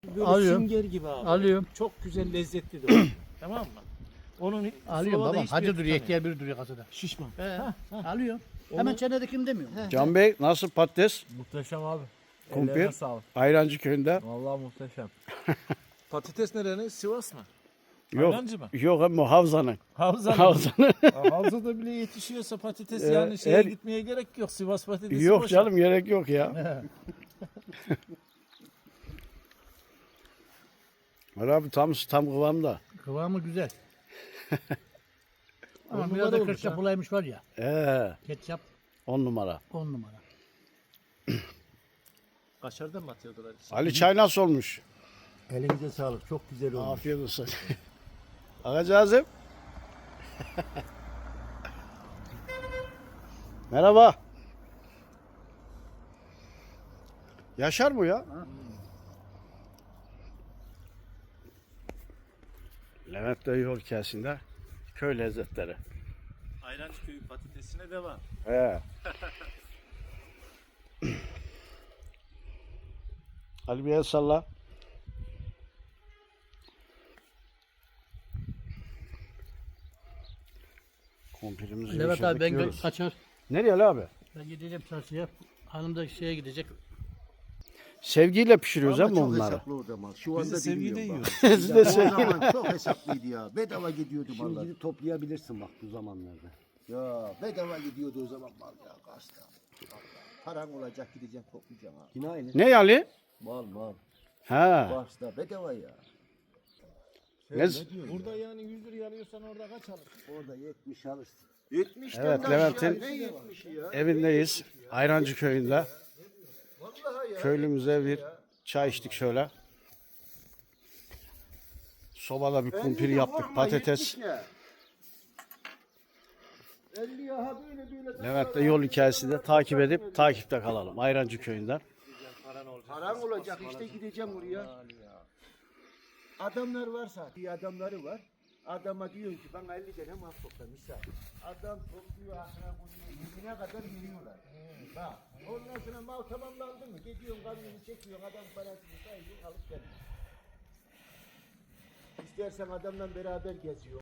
Böyle Alıyorum. sünger gibi abi. Alıyorum. Çok güzel lezzetli de o. Tamam mı? Onun Alıyorum Slova'da baba. hiçbir Hacı yer duruyor. tutamıyor. İhtiyar biri duruyor kasada. Şişman. Alıyorum. Hemen çenedekini demiyorum. Can Bey nasıl patates? Muhteşem abi. Kumpir. Ellerine sağlık. Ayrancı köyünde. Vallahi muhteşem. Patates nerenin? Sivas mı? Yok. Ayrancı mı? Yok ama Havza'nın. Havza'nın. Havza'nın. Havza'da bile yetişiyorsa patates Evet, yani şeye her- gitmeye gerek yok. Sivas patatesi Yok boş. canım gerek yok ya. Ali abi tam kıvamda. Kıvamı güzel. Ama On biraz numara da olmuş ketçap ha. bulaymış var ya. Ketçap 10 numara. 10 numara. Kaşardan mı atıyordular? Ali çay nasıl olmuş? Elinize sağlık. Çok güzel olmuş. Afiyet olsun. Ağacığım. Merhaba. Yaşar mı ya? Levent Dayı yol hikayesinde köy lezzetleri. Ayrancı köyü patatesine devam. He. Ali bir el salla. Kumpirimizi Levent geçirdik, abi ben yiyoruz. kaçar. Nereye Ali abi? Ben gideceğim çarşıya. Hanım da şeye gidecek. Sevgiyle pişiriyoruz Ama ama çok bunları. hesaplı o zaman. Şu Biz de anda sevgide bilmiyorum bak. yiyoruz. Siz de O sevgiyle. zaman çok hesaplıydı ya. Bedava gidiyordu mallar. Şimdi gidip toplayabilirsin bak bu zamanlarda. Ya bedava gidiyordu o zaman mal ya gazete. Paran olacak gideceksin toplayacaksın ha. Yine aynı. Ne Ali? Mal. Ha. Başta bedava ya. Ne? Burada yani 100 liraya alıyorsan orada kaç alırsın? Orada 70 alırsın. 70 Evet, Levent'in ne 70'i ya? evindeyiz. Ayrancı köyünde. Köylümüze bir çay içtik şöyle. Sobada bir kumpir yaptık. Patates. 50 ya ha böyle. Levent'le yol hikayesi de takip edip takipte kalalım. Ayrancı köyünden. Paran olacak işte gideceğim oraya. Adamlar varsa, iyi adamları var. Adama diyor ki bana 50 tane mal topla misal. Adam topluyor ahına koyuyor, yüzüne kadar veriyorlar. Bak, ondan sonra mal tamamlandı mı? Gidiyorsun kamyonu çekiyorsun, adam parasını sayıyorsun, alıp geliyorsun. İstersen adamla beraber geziyor.